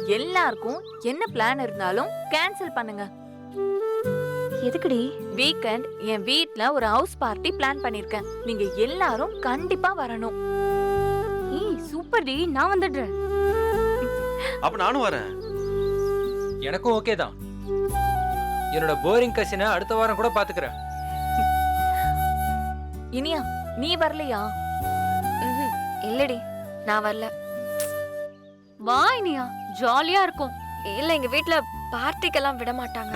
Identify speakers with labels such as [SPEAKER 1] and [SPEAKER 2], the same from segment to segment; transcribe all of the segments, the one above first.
[SPEAKER 1] எல்லாருக்கும் என்ன பிளான் இருந்தாலும் கேன்சல் பண்ணுங்க.
[SPEAKER 2] எதுக்குடி?
[SPEAKER 1] வீக்கெண்ட் என் வீட்ல ஒரு ஹவுஸ் பார்ட்டி பிளான் பண்ணிருக்கேன். நீங்க எல்லாரும் கண்டிப்பா வரணும்.
[SPEAKER 2] ஏய் சூப்பர் டி, நான் வந்துடுறேன்.
[SPEAKER 3] அப்ப நானும் வரேன்.
[SPEAKER 4] எனக்கும் ஓகே தான். என்னோட போரிங் கசினை அடுத்த வாரம் கூட பாத்துக்கிறேன்.
[SPEAKER 1] இனியா நீ வரலையா?
[SPEAKER 5] இல்லடி, நான் வரல.
[SPEAKER 2] வா இனியா, ஜாலியா இருக்கும்.
[SPEAKER 5] இல்ல, எங்க வீட்ல பார்ட்டிக்கெல்லாம் விட மாட்டாங்க.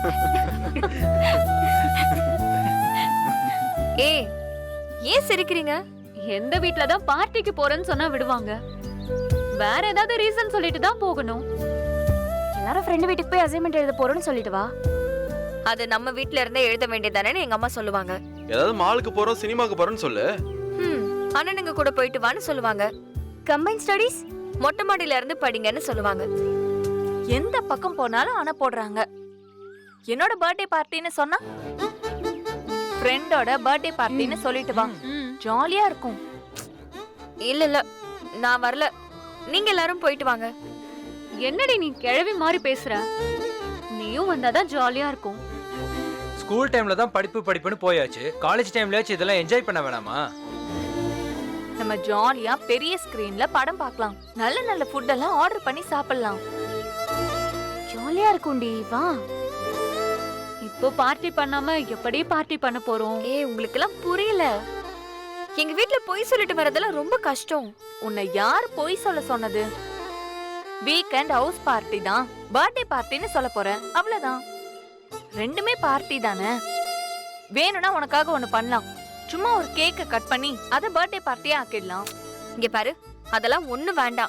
[SPEAKER 5] ஏய், ஏன் சிரிக்கிறீங்க?
[SPEAKER 2] எந்த வீட்ல தான் பார்ட்டிக்கு போறேன்னு சொன்னா விடுவாங்க? வேற ஏதாவது ரீசன் சொல்லிட்டு தான் போகணும். எல்லாரும் ஃப்ரெண்ட் வீட்டுக்கு போய் அசைன்மெண்ட் எழுத போறோம்னு சொல்லிட்டு வா.
[SPEAKER 5] அது நம்ம வீட்ல இருந்தே எழுத வேண்டியதானே எங்க அம்மா சொல்லுவாங்க.
[SPEAKER 3] ஏதாவது மாலுக்கு போறோம், சினிமாக்கு போறோம்னு சொல்லு.
[SPEAKER 5] அண்ணனுங்க கூட போயிட்டு வான்னு சொல்லுவாங்க.
[SPEAKER 2] கம்பைன் ஸ்டடீஸ்
[SPEAKER 5] மொட்டை மாடியில இருந்து படிங்கன்னு சொல்லுவாங்க.
[SPEAKER 1] எந்த பக்கம் போனாலும் அணை போடுறாங்க. என்னோட பர்த்டே பார்ட்டின்னு சொன்னா ஃப்ரெண்டோட பர்த்டே பார்ட்டின்னு சொல்லிட்டு வா, ஜாலியா இருக்கும்.
[SPEAKER 5] இல்ல இல்ல, நான் வரல. நீங்க எல்லாரும் போயிட்டு வாங்க.
[SPEAKER 2] என்னடி நீ கிழவி மாதிரி பேசுற? நீயும் வந்தாதான் ஜாலியா இருக்கும்.
[SPEAKER 4] ஸ்கூல் டைம்ல தான் படிப்புன்னு போயாச்சு. காலேஜ் டைம்லயாச்சும் இதெல்லாம் என்ஜாய் பண்ண வேணாமா?
[SPEAKER 1] நம்ம ஜாலியா பெரிய ஸ்கிரீன்ல படம் பார்க்கலாம். நல்ல நல்ல ஃபுட் எல்லாம் ஆர்டர் பண்ணி சாப்பிடலாம்.
[SPEAKER 2] ஜாலியா இருக்கும்டி, வா. இப்போ பார்ட்டி பண்ணாம எப்படி பார்ட்டி பண்ண போறோம்?
[SPEAKER 5] ஏய், உங்களுக்கு எல்லாம் புரியல. எங்க வீட்ல பொய் சொல்லிட்டு வரதெல்லாம் ரொம்ப கஷ்டம்.
[SPEAKER 1] உன்னை யார் பொய் சொல்ல சொன்னது? வீக்கெண்ட் ஹவுஸ் பார்ட்டி தான், பர்த்டே பார்ட்டின்னு சொல்ல போறேன், அவ்வளவுதான். ரெண்டுமே பார்ட்டி தானே. வேணும்னா உனக்காக ஒண்ணு பண்ணலாம். சும்மா ஒரு கேக்க கட் பண்ணி அத பர்த்டே பார்ட்டியா ஆக்கிடலாம்.
[SPEAKER 5] இங்க பாரு, அதெல்லாம் ஒண்ணு வேண்டாம்.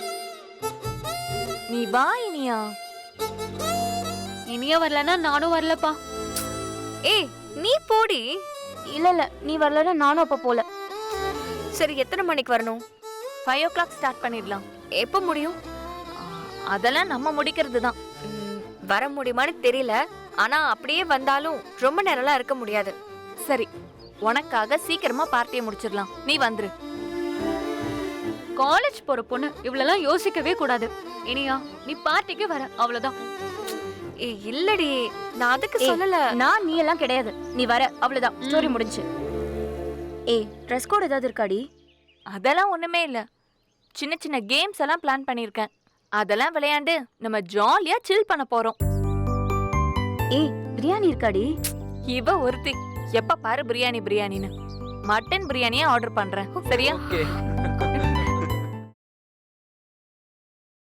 [SPEAKER 1] நீ வா இனியா.
[SPEAKER 2] இனியா வரலன்னா நானும் வரலப்பா.
[SPEAKER 5] ஏய், நீ போடி.
[SPEAKER 2] இல்ல இல்ல, நீ வரலன்னா நானும் அப்ப போல.
[SPEAKER 5] சரி, எத்தனை மணிக்கு வரணும்?
[SPEAKER 1] 5 o'clock ஸ்டார்ட் பண்ணிடலாம்.
[SPEAKER 5] எப்ப முடியும்?
[SPEAKER 1] அதெல்லாம் நம்ம முடிக்கிறது தான்.
[SPEAKER 5] வர முடியுமான்னு தெரியல. ஆனா அப்படியே வந்தாலும் ரொம்ப நேரம்லாம் இருக்க முடியாது.
[SPEAKER 1] சரி, உனக்காக சீக்கிரமா பார்ட்டியை முடிச்சிடலாம். நீ வந்துரு.
[SPEAKER 2] காலேஜ் போற பொண்ணு இவ்வளவு யோசிக்கவே கூடாது. இனியா, நீ பார்ட்டிக்கு வர, அவ்வளவுதான்.
[SPEAKER 5] ஏய், இல்லடி, நான் அதுக்கு சொல்லல.
[SPEAKER 2] நான் நீ எல்லாம் கிடையாது. நீ வர, அவ்வளவுதான். ஸ்டோரி முடிஞ்சு. ஏய், ட்ரெஸ் கோட் ஏதாவது இருக்காடி?
[SPEAKER 1] அதெல்லாம் ஒண்ணுமே இல்ல. சின்ன சின்ன கேம்ஸ் எல்லாம் பிளான் பண்ணிருக்கேன். அதெல்லாம் விளையாண்டு நம்ம ஜாலியா சில் பண்ண போறோம்.
[SPEAKER 2] ஏய், பிரியாணி இருக்காடி?
[SPEAKER 1] இவ ஒருத்தி எப்ப பாரு பிரியாணின்னு. மட்டன் பிரியாணியே ஆர்டர் பண்றேன், சரியா?
[SPEAKER 4] ஓகே.